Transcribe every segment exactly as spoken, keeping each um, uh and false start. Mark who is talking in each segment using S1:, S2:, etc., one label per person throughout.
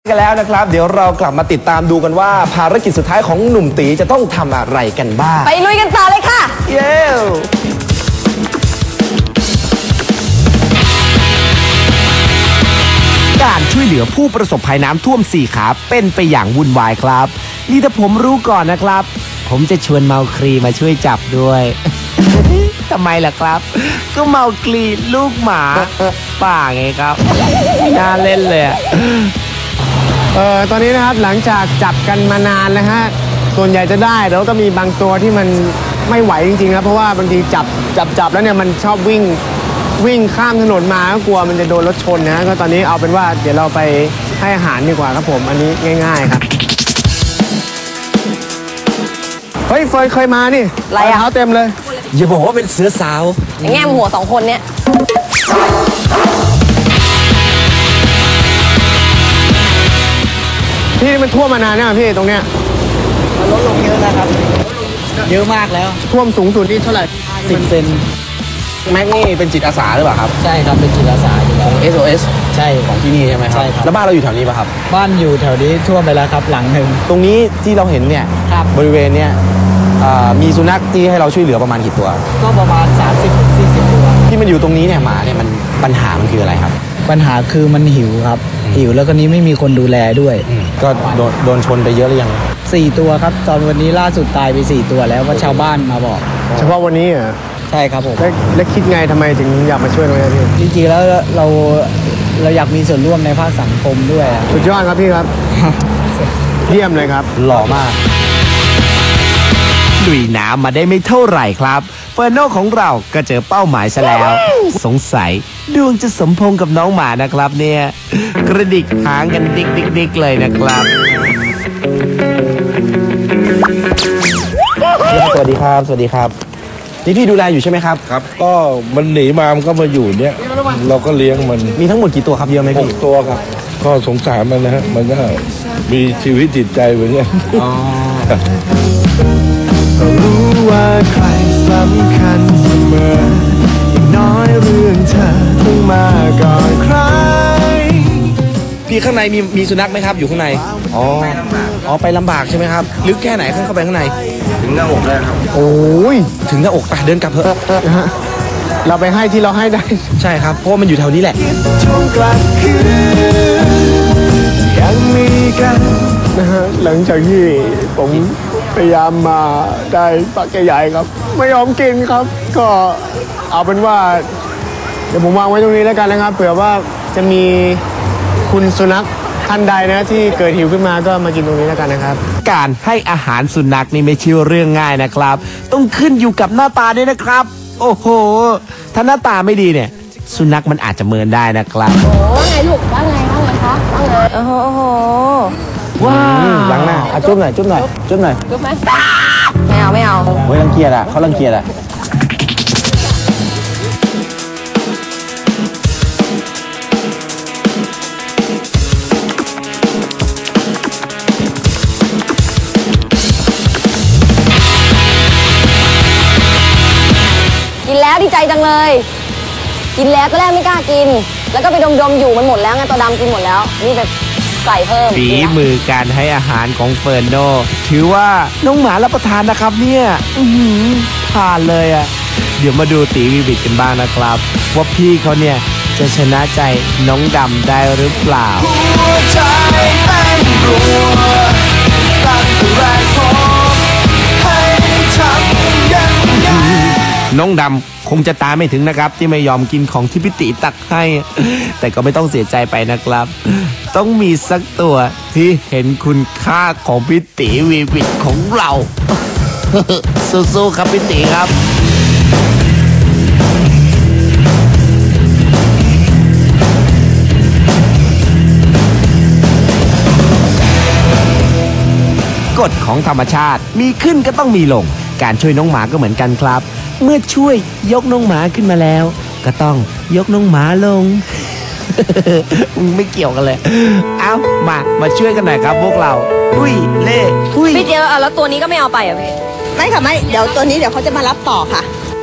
S1: กันแล้วนะครับเดี๋ยวเรากลับมาติดตามดูกันว่าภารกิจสุดท้ายของหนุ่มตีจะต้องทำอะไรกันบ้าง
S2: ไปลุยกันต่อเลยค่ะ
S1: เย้การช่วยเหลือผู้ประสบภัยน้ำท่วมสี่ขาเป็นไปอย่างวุ่นวายครับนี่ถ้าผมรู้ก่อนนะครับผมจะชวนเมาคลีมาช่วยจับด้วย ทำไมล่ะครับก็เมาคลีลูกหมาป่าไงครับน่าเล่นเลย
S3: เออตอนนี้นะครับหลังจากจับกันมานานนะฮะส่วนใหญ่จะได้แล้วก็มีบางตัวที่มันไม่ไหวจริงๆนะเพราะว่าบางทีจับจับจับแล้วเนี่ยมันชอบวิ่งวิ่งข้ามถนนมาก็กลัวมันจะโดนรถชนนะก็ตอนนี้เอาเป็นว่าเดี๋ยวเราไปให้อาหารดีกว่าครับผมอันนี้ง่ายๆครับเฮ้ยเฟยเคยมานี่รองเท้าเต็มเลย
S1: อย่าบอกว่าเป็นเสือสาว
S2: แง่มหัวสองคนเนี่ย
S3: พี่มันท่วมมานานเนี่ยพี่ตรงเนี้ย
S4: มันลดลงเยอะนะครับเยอะมากแล้ว
S3: ท่วมสูงสุดนี่เท่าไหร่
S4: สิบเซน
S1: แม็กนี่เป็นจิตอาสาหรือเปล่าครับ
S4: ใช่ครับเป็นจิตอาสาอยู่แล้ว
S1: เอส โอ เอส
S4: ใช่
S1: ของที่นี่ใช่ไหมครับ
S4: ใช่ครับ
S1: แล้วบ้านเราอยู่แถวนี้ป่ะครับ
S4: บ้านอยู่แถวนี้ท่วมไปแล้วครับหลังหนึ่ง
S1: ตรงนี้ที่เราเห็นเนี่ยบริเวณเนี้ยมีสุนัขที่ให้เราช่วยเหลือประมาณกี่ตัว
S4: ก็ประมาณ สามสิบถึงสี่สิบ ตัว
S1: ที่มันอยู่ตรงนี้เนี่ยหมาเนี่ยมันปัญหามันคืออะไรครับ
S4: ปัญหาคือมันหิวครับหิวแล้วก็นี้ไม่มีคนดูแลด้วย
S1: ก็โดนโดนชนไปเยอะหรือยัง
S4: สี่ตัวครับตอนวันนี้ล่าสุดตายไปสี่ตัวแล้วว่าชาวบ้านมาบอก
S3: เฉพาะวันนี้เหรอ
S4: ใช่ครับผม
S3: แล้วคิดไงทำไมถึงอยากมาช่วยตรงนี้
S4: พี่จริงๆแล้วเราเราอยากมีส่วนร่วมในภาคสังคมด้วย
S3: สุดยอดครับพี่ครับเยี่ยมเลยครับ
S1: หล่อมากลุยน้ำมาได้ไม่เท่าไหร่ครับเฟอร์โน่ของเราก็เจอเป้าหมายซะแล้วสงสัยดวงจะสมพงกับน้องหมานะครับเนี่ยกระดิกหางกันดิกดิกดิกเลยนะครับสวัสดีครับสวัสดีครับนี่พี่ดูแลอยู่ใช่ไหมครับ
S5: ครับก็มันหนีมามันก็มาอยู่เนี้ยเราก็เลี้ยงมัน
S1: มีทั้งหมดกี่ตัวครับเยอะไหมพี่
S5: หกตัวครับก็สงสารมันนะฮะมันก็มีชีวิตจิตใจเหมือนกัน
S1: อ๋อ
S3: รู้ว่าใครสำคัญเสมออย่างน้อยเรื่องเธอต้องมาก่อนใคร
S1: พี่ข้างในมีมีสุนัขไหมครับอยู่ข้างในอ๋ออ๋อไปลำบากใช่ไหมครับลึกแค่ไหนเข้าไปข้างใน
S5: ถึงหน้าอกได้ครับ
S3: โอ้ย
S1: ถึงหน้าอกไปเดินกลับเถอะ
S3: เราไปให้ที่เราให้ได้
S1: ใช่ครับเพราะมันอยู่แถวนี้แหละ
S3: ช่วงกลางคืนยังมีกันนะฮะหลังจากที่ผมพยายามมาได้ปักใหญ่ๆครับไม่ยอมกินครับก็เอาเป็นว่าเดี๋ยวผมวางไว้ตรงนี้แล้วกันนะครับเผื่อว่าจะมีคุณสุนัขท่านใดนะที่เกิดหิวขึ้นมาก็มากินตรงนี้แล้วกันนะครับ
S1: การให้อาหารสุนัขนี่ไม่ใช่เรื่องง่ายนะครับต้องขึ้นอยู่กับหน้าตาด้วยนะครับโอ้โหถ้าหน้าตาไม่ดีเนี่ยสุนัขมันอาจจะเมินได้นะครับ
S2: โอ้ว่าไงลูกว่าไงว่าไงคะว่าไงโอ้โหโอ้โห
S1: ว้าวล้างหน้าอ่ะจุ๊บหน่อยจุ๊บหน่อยจุ๊บหน่อย
S2: จุ๊บไหมไม่เอาไม่เอา
S1: เฮ้ยรังเกียจอ่ะเขารังเกียจอ่ะ
S2: กินแล้วดีใจจังเลยกินแล้วก็แรกไม่กล้ากินแล้วก็ไปดมๆอยู่มันหมดแล้วไงตัวดำกินหมดแล้วนี่แบบใส่เพิ่ม
S1: ฝีมือการให้อาหารของเฟิร์นโนถือว่าน้องหมารับประทานนะครับเนี่ยผ่านเลยอ่ะเดี๋ยวมาดูตีวิบิตกันบ้างนะครับว่าพี่เขาเนี่ยจะชนะใจน้องดำได้หรือเปล่าหัวใจเต้นรัวตั้งแต่แรกพบให้ทำยังไงน้องดำคงจะตามไม่ถึงนะครับที่ไม่ยอมกินของที่พี่ติตักให้แต่ก็ไม่ต้องเสียใจไปนะครับต้องมีสักตัวที่เห็นคุณค่าของพี่ติวีวิตของเราสู้ๆครับพี่ติครับกฎของธรรมชาติมีขึ้นก็ต้องมีลงการช่วยน้องหมาก็เหมือนกันครับเมื่อช่วยยกน้องหมาขึ้นมาแล้วก็ต้องยกน้องหมาลง ไม่เกี่ยวกันเลยเอามามาช่วยกันหน่อยครับพวกเราอุ้ยเล่อุ้ย
S2: พี่เจอแล้วตัวนี้ก็ไม่เอาไปอ่ะพี่
S6: ไม่ค่ะไม่เดี๋ยวตัวนี้เดี๋ยวเขาจะมารับต่อค่ะ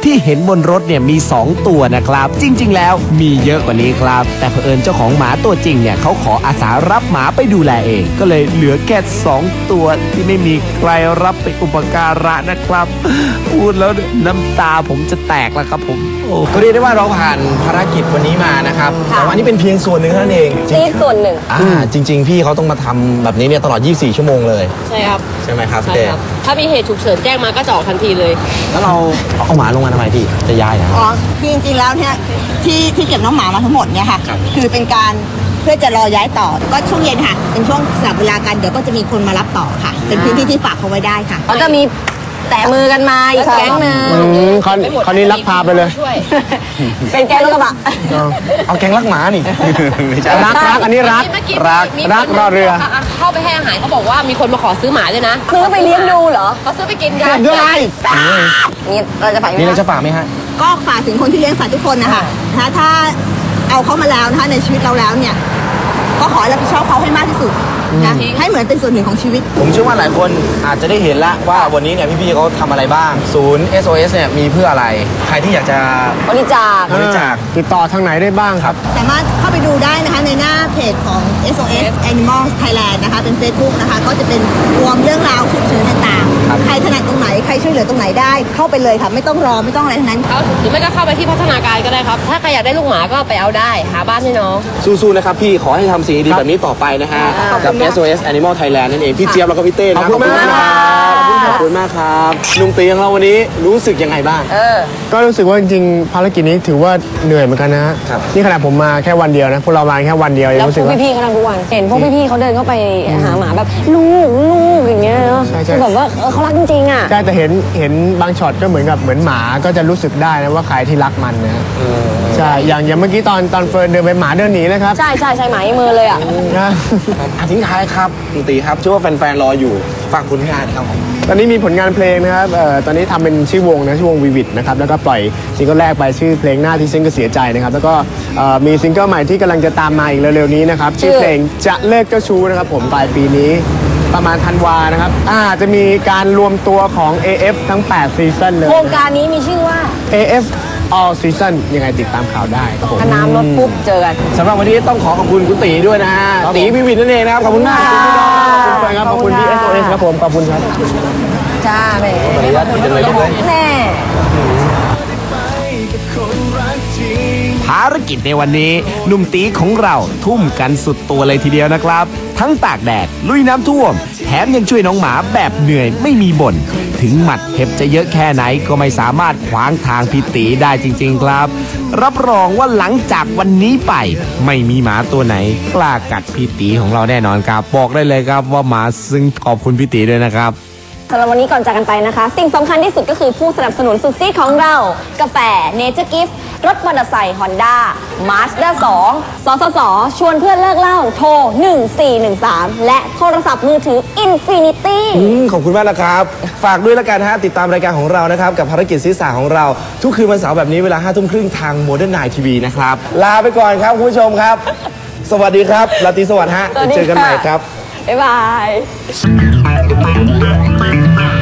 S1: ที่เห็นบนรถเนี่ยมีสองตัวนะครับจริงๆแล้วมีเยอะกว่านี้ครับแต่เผอิญเจ้าของหมาตัวจริงเนี่ยเขาขออาสารับหมาไปดูแลเองก็เลยเหลือแค่สองตัวที่ไม่มีใครรับไปอุปการะนะครับพูดแล้วน้ำตาผมจะแตกแล้วครับผมโอ้
S6: ก็เรียกได้ว่าเราผ่านภารกิจวันนี้มานะครับแต่ว่านี่เป็นเพียงส่วนหนึ่งเท่านั้นเอง
S2: นี่ส่วนหนึ่ง
S6: อ่าจริง ๆ พี่เขาต้องมาทำแบบนี้เนี่ยตลอดยี่สิบสี่ชั่วโมงเลย
S7: ใช่ครับ
S6: ใช่ไหมครับ
S7: ใช่
S6: เต้
S7: ครับ ถ้ามีเหตุฉุกเฉินแจ้งมาก็จะออกทันทีเลย
S6: แล้วเราเอาหมาลงมาทำไมพี่จะย้ายนะ
S8: อ๋อคือจริงๆ แล้วเนี่ยที่ที่เก็บน้องหมามาทั้งหมดเนี่ยค่ะ คือเป็นการเพื่อจะรอย้ายต่อ ก็ช่วงเย็นค่ะ เป็นช่วงสลับเวลากันเดี๋ยวก็จะมีคนมารับต่อค่ะ เป็นพื้นที่ที่ฝากเขาไว้ได้ค่ะ
S2: เขาจะมีแตะมือกันมาอีกแก๊งหนึ่ง
S3: อืมคราวคราวนี้ลักพาไปเลย
S7: ช่วย
S2: เป็นแก๊งรถกระบะ
S6: เอาแกงรักหมานี่ ไม่ใช่
S3: รักรักอันนี้รัก
S7: เมื่อกี้
S3: รัก
S7: มี
S3: รัก
S7: คน
S3: รอเรือ
S7: เข้าไปให้อาหารเขาบอกว่ามีคนมาขอซื้อหมาด้วยนะ
S2: ซื้อไปเลี้ยงดูเหรอ
S7: เขาซื้อไปกินกัน
S3: ด้วยอะไร
S2: นี่เราจะไปไหม
S6: นี่เรา
S2: คะ
S6: จะป่าไหมฮะ
S8: ก็ฝากถึงคนที่เลี้ยงสัตว์ทุกคนนะคะถ้าถ้าเอาเขามาแล้วนะคะในชีวิตเราแล้วเนี่ย ก็ขอให้รับผิดชอบเขาให้มากที่สุดนะให้เหมือนเป็นส่วนหนึ่งของชีวิต
S6: ผมเชื่อว่าหลายคนอาจจะได้เห็นละว่าวันนี้เนี่ยพี่ๆเขาทำอะไรบ้าง ศูนย์ เอส โอ เอส เนี่ยมีเพื่ออะไร ใครที่อยากจะ
S2: บริจาค
S6: บริจาค
S3: ติดต่อทางไหนได้บ้างครับ
S8: สามารถเข้าไปดูได้นะคะในหน้าเพจของ เอส โอ เอส Animals Thailand นะคะเป็น Facebook นะคะก็จะเป็นรวมเรื่องราวฉุกเฉินต่างๆ ใครถนัดตรงไหนใครช่วยเหลือตรงไหนได้เข้าไปเลยค่ะไม่ต้องรอไม่ต้องอะไรทั้งนั้น
S7: เขาหรือไม่ก็เข้าไปที่พัฒนาการก็ได้ครับ ถ้าใครอยากได้ลูกหมาก็ไปเอาได้ หาบ้านให้น้อง
S6: สู้ๆนะครับพี่ขอให้ทำสิ่งดีๆแบบนี้ต่อไปนะฮะกับ เอส โอ เอส Animal Thailand นั่นเองพี่เจี๊ยบแล้วก็พี่เต้นะ
S3: ขอบคุณมาก
S6: ขอบคุณมากครับลุงตีของเราวันนี้รู้สึกยังไงบ้าง
S2: เออ
S3: ก็รู้สึกว่าจริงๆภารกิจนี้ถือว่าเหนื่อยเหมือนกันนะฮะ
S6: ครับ
S3: นี่ขนาดผมมาแค่วันเดียวนะพวกเรามาแค่วันเดียวยัง
S2: แล้ว
S3: รู้
S2: พ
S3: สึ
S2: ว
S3: ก
S2: ก
S3: ว่า
S2: พี่ๆเขาทำทุกวัน เห็นพวกพี่ๆเขาเดินเข้าไปหาหมาแบบลูกลูกอย่างเงี้ยเนาะ
S3: ใช่ใช่
S2: คือแบบว่าเออเขารักจริงๆอ่ะ
S3: ใช่แต่เห็นเห็นบางช็อตก็เหมือนกับเหมือนหมาก็จะรู้สึกได้นะว่าใครที่รักมันนะใช่อย่างอย่างเมื่อกี้ตอนตอนเฟิร์นเดินไปหมาเดินหนีนะครับ
S2: ใช่ใช่ใช่หมาอีมือเลยอ่ะ
S3: นะ
S6: อ่ะทิ้งท้ายครับลุงตีครับเชื่อว่าแฟนๆรออยู่ฝากผลงานนะครับผม
S3: ตอนนี้มีผลงานเพลงนะครับเอ่อตอนนี้ทำเป็นชื่อวงนะชื่อวงวีวิดนะครับแล้วก็ปล่อยซิงเกิลแรกไปชื่อเพลงหน้าที่ฉันก็เสียใจนะครับแล้วก็เอ่อมีซิงเกิลใหม่ที่กำลังจะตามมาอีกเร็วๆนี้นะครับชื่อเพลงจะเลิกเจ้าชู้นะครับผมปลายปีนี้ประมาณธันวานะครับอาจจะมีการรวมตัวของ เอ เอฟ ทั้งแปดซีซั่นเลย
S2: โครงการนี้มีชื่อว่า
S3: เอ เอฟ All Season ยังไงติดตามข่าวได้ครับผม
S2: ถ้าน้ำลดปุ๊บเจอกัน
S6: สำหรับวันนี้ต้องขอขอบคุณคุณตีด้วยนะฮะ
S3: ครับผม
S6: ตีวิวินนั่นเองนะครับ ขอบคุณมาก
S2: ขอบคุณค่ะ
S3: ขอบคุณครับขอบคุณที่ เอส โอ เอส ครับผมขอบคุณครับ
S2: จ้าแหม่
S6: ขออนุญาตกินเลยได้ไหม
S2: แน่
S1: ภารกิจในวันนี้หนุ่มตีของเราทุ่มกันสุดตัวเลยทีเดียวนะครับ ทั้งตากแดดลุยน้ำท่วม แถมยังช่วยน้องหมาแบบเหนื่อยไม่มีบ่นถึงหมัดเห็บจะเยอะแค่ไหนก็ไม่สามารถขวางทางพี่ตีได้จริงๆครับ รับรองว่าหลังจากวันนี้ไป ไม่มีหมาตัวไหน กล้ากัดพี่ตีของเราแน่นอนครับ บอกได้เลยครับว่าหมาซึ่งขอบคุณพี่ตีด้วยนะครับ
S2: สำหรับวันนี้ก่อนจากกันไปนะคะ สิ่งสำคัญที่สุดก็คือผู้สนับสนุนสุดซีดของเรา กาแฟเนเจอร์กิฟต์รถมอเตอร์ไซค์ฮอนด้ามาสด้าสองสสส ชวนเพื่อนเลิกเหล้าโทร หนึ่งสี่หนึ่งสาม และโทรศัพท์มือถือ Infinity
S6: อืมขอบคุณมากนะครับ ฝากด้วยละกันฮะ ติดตามรายการของเรานะครับ กับภารกิจศีรษะของเรา ทุกคืนวันเสาร์แบบนี้เวลาห้าทุ่มครึ่งทางโมเดิร์นไนทีวีนะครับ ลาไปก่อนครับคุณผู้ชมครับ สวัสดีครับราตรีสวัสดิ์ฮะ
S2: สวัสดี
S6: เจอกันใหม่
S2: ค่ะ
S6: ครับ
S2: บ๊ายบาย